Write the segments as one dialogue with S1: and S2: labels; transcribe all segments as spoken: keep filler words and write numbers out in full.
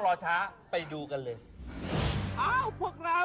S1: อช้าไปดูกันเลยอ้าวพวกเรา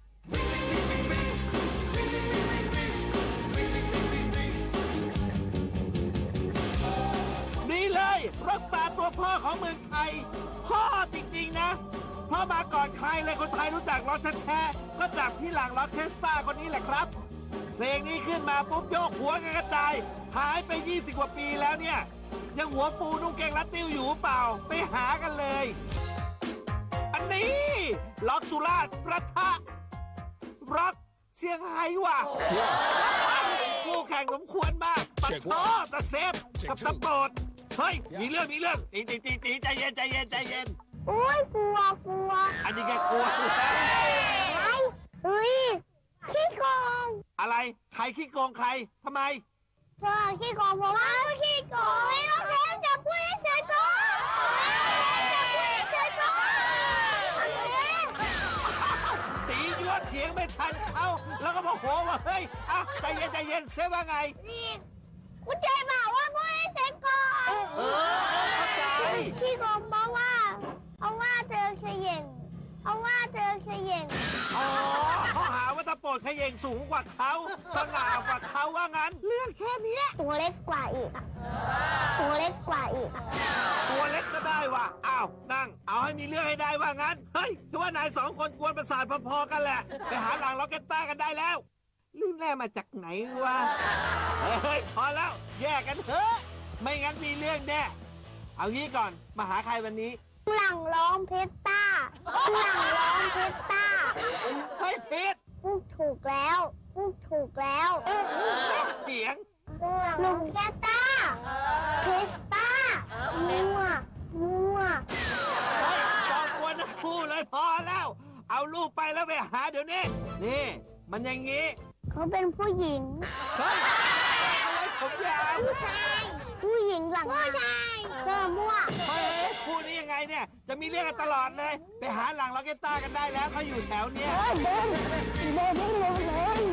S1: นี่เลยร็อกสตาร์ตัวพ่อของเมืองไทยพ่อจริงๆนะเพราะมาก่อนใครเลยคนไทยรู้จักร็อกแท้ๆก็จากพี่หลังร็อกเคสตาคนนี้แหละครับเพลงนี้ขึ้นมาปุ๊บโยกหัวกันกระจายหายไปยี่สิบกว่าปีแล้วเนี่ยยังหัวปูนุ่งเกงรัดติ้วอยู่เปล่าไปหากันเลยอันนี้ร็อกสุราษฎร์ประทะร็อกเชียงไฮ้ว่ะคู่แข่งสมควรมากปัดโต้ตะเซฟกับตะโปรดเฮ้ยมีเรื่องมีเรื่องตีตีตีตีใจเย็นใจเย็นใจเย็น
S2: โอ้ยกลัวกลัว
S1: อันนี้แกกลัวไ
S2: อ้เฮ้ยขี้โกง
S1: อะไรใครขี้โกงใครทำไม
S2: เธอขี้โกงเพราะว่าขี้โกงไม่ต้องเทมจะพูดให้เสร็จก่อนจะพูดให้เสร็จก่อน
S1: ตียั่วเถียงไม่ทันเขาแล้วก็โมโหว่าเฮ้ยอ่ะใจเย็นใจเย็นเสียว่าไง
S2: นี่คุณเจบอกว่าพูดให้เสร็จก่อน
S1: เออเข้าใจ
S2: ขี้โกงเพราะว่าเพราะว่าเธอเขย่งเพราะว่าเธอเขย่ง
S1: อ๋อเขาหาว่าตะโปดเขย่งสูงกว่าเขาสง่ากว่าเขาว่างั้นเรื่องแค่นี้
S2: ตัวเล็กกว่าอีกตัวเล็กกว่าอีก
S1: ตัวเล็กก็ได้ว่ะอ้าวนั่งเอาให้มีเรื่องให้ได้ว่างั้นเฮ้ยคือว่านายสองคนกวนประสาทพอๆกันแหละไปหาหลังล็อกเก็ตต้ากันได้แล้วลืมแร่มาจากไหนวะเฮ้ยพอแล้วแยกกันเถอะไม่งั้นมีเรื่องแน่เอางี้ก่อนมาหาใครวันนี้
S2: หลังร้องเพชรต้าหลังร้องเพชรต้า
S1: เฮ้ยเพชร
S2: พูดถูกแล้วพูดถูกแล้ว
S1: เสียง
S2: หนุ่มเพชรต้าเพชรต้ามัวมัว
S1: เฮ้ยจอมกวนทั้งคู่เลยพอแล้วเอาลูกไปแล้วไปหาเดี๋ยวนี้นี่มันอย่างงี้
S2: เขาเป็นผู้หญิง
S1: เฮ้ยอะไรผมยาว
S2: ผู้ชายผู้หญิงหลังผู้ชายเธอมั่ว
S1: เฮ้ยพูดนี้ยังไงเนี่ยจะมีเรื่องกันตลอดเลยไปหาหลังล็อกเก็ตต้ากันได้แล้วเขาอยู่แถวเนี้ย
S2: เดินเดินได้เร็วเลย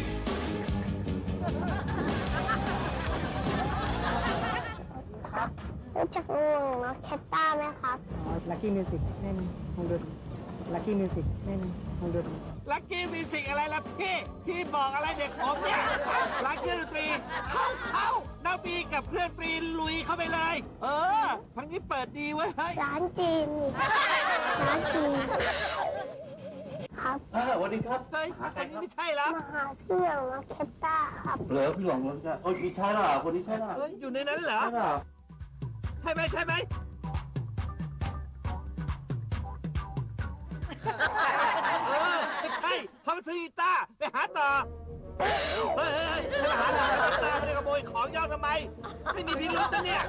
S2: รู้จักวงล็อกเก็ตต้าไหมครับ
S3: อ๋อลัคกี้มิวสิกเล่นวงดนตรีลัคกี้มิวสิกเล่นวงดนตรี
S1: ลัคกี้มิวสิกอะไรล่ะพี่พี่บอกอะไรเด็กผมเนี่ยลัคกี้ดนตรีเข้าเข้านาบีกับเพื่อนปรีลุยเข้าไปเลยเออทั้งนี้เปิดดีเว้ย
S2: ร้านจีนร้านจีนครับ
S4: สวัสดีครับ
S1: เฮ้ยคนนี้ไม่ใช่แล้ว
S2: มาหาเพื่อนล็อกเก็ตต้าครับ
S4: เหรอพี่หลงเหรอจ๊ะโอ้ยมีใช่หรอคนนี้ใช่หรอ
S1: อยู่ในนั้นเหรอใช่ไหมใช่ไหมเออไม่ใช่เขาไปซื้อกีตาร์ไปหาต่อเฮ้ยจะมาหาหลังล็อกเก็ตต้าไม่ได้ขโมยของย่อทำไมไม่มีพิรุธนะเนี่ย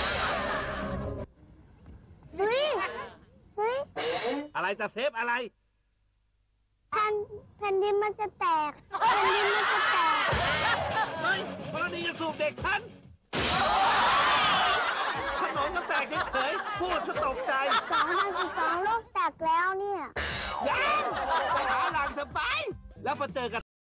S2: เฮ้ยเฮ้ย
S1: อะไรจะเซฟอะไร
S2: แผ่นแผ่นดินมันจะแตกแผ่นดินมันจะแตก
S1: เฮ้ยกรณีจะสูบเด็กท่านขนมก็แตกเฉยๆพูดจะตกใจ
S2: สองพันสิบสองโลกแตกแล้วเนี่ย
S1: ยังไปหาหลังสบายแล้วพอเจอกับ